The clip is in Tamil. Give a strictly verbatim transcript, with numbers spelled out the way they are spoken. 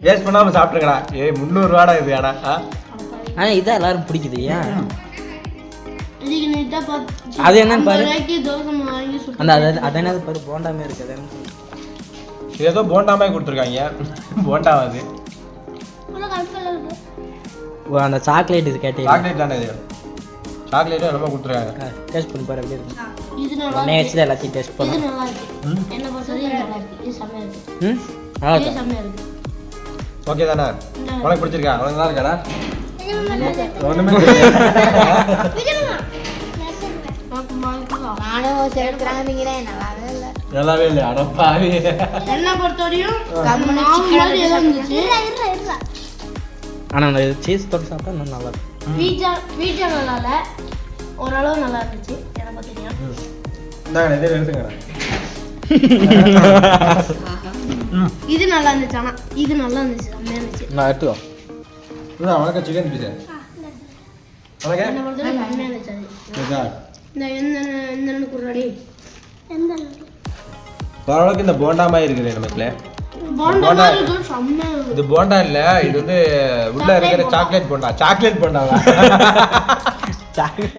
வேஸ்ட் பண்ணாம சாப்பிட்டுருக்கடா. ஏய் முந்நூறு ரூபாடா இது. ஆனா ஆனா இதான் எல்லாரும் பிடிக்குது. ஏன் இதுக்கு நீட்டா அது என்னன்னு பாரு. தோசை வாங்கி சுட்டு அந்த அது அது என்னது பாரு, போண்டாமே இருக்குது. இது ஏதோ போண்டாமே கொடுத்துருக்காங்க. போண்டாவா அது? ஓ அந்த சாக்லேட் இது கேட்டீங்க. சாக்லேட் தானே இது. சாக்லேட் என்னமோ கொடுத்துருக்காங்க. டேஸ்ட் பண்ணி பாரு எப்படி இருக்கு. இது நல்லா ஒண்ணே வச்சு எல்லாத்தையும் டேஸ்ட் இது பண்ணு. நல்லா இருக்கு. என்ன பொறுத்தவரைக்கும் இது நல்லா இருக்கு. இது செமையா இருக்கு. ம் நல்லா இது இருக்கு. செமையா இருக்கு. ஓகே தானே? உனக்கு பிடிச்சிருக்கா? உனக்கு நல்லா இருக்காடா? ஒண்ணுமே நானும் சேர்க்கிறாங்க நல்லாவே இல்லை. நல்லாவே இல்லை. அடப்பாவி. என்ன பொறுத்தவரையும் கம்முனு மாவு chicken மாதிரி ஏதோ இருந்துச்சு. ஆனா அந்த சீஸ் தொட்டு சாப்பிட்டா இன்னும் நல்லா இருக்கும். பீட்சா பீட்சா நல்லா இல்ல. ஓரளவு நல்லா இருந்துச்சு. எனக்கு தெரியும். இந்தாங்க இதே எடுத்துங்கடா. இது நல்லா இருந்துச்சு. ஆனா இது நல்லா இருந்துச்சு. செம்மையா இருந்துச்சு. நான் எடுத்துக்கோ. இதான் உனக்கு சிக்கன் பீஸா. உனக்கு என்ன பொறுத்தவரைக்கும் செம்மையா இருந்துச்சு அது. இதா. இந்த எந்த எந்த குர்ராடி எந்த ஓரளவுக்கு இந்த போண்டா மாதிரி இருக்குது நமக்குல. போண்டா மாதிரி இருக்கு. செம்மையா இருக்கு. இது போண்டா இல்ல, இது வந்து உள்ள இருக்கிற சாக்லேட் போண்டா. சாக்லேட் போண்டாவா? சாக்லேட்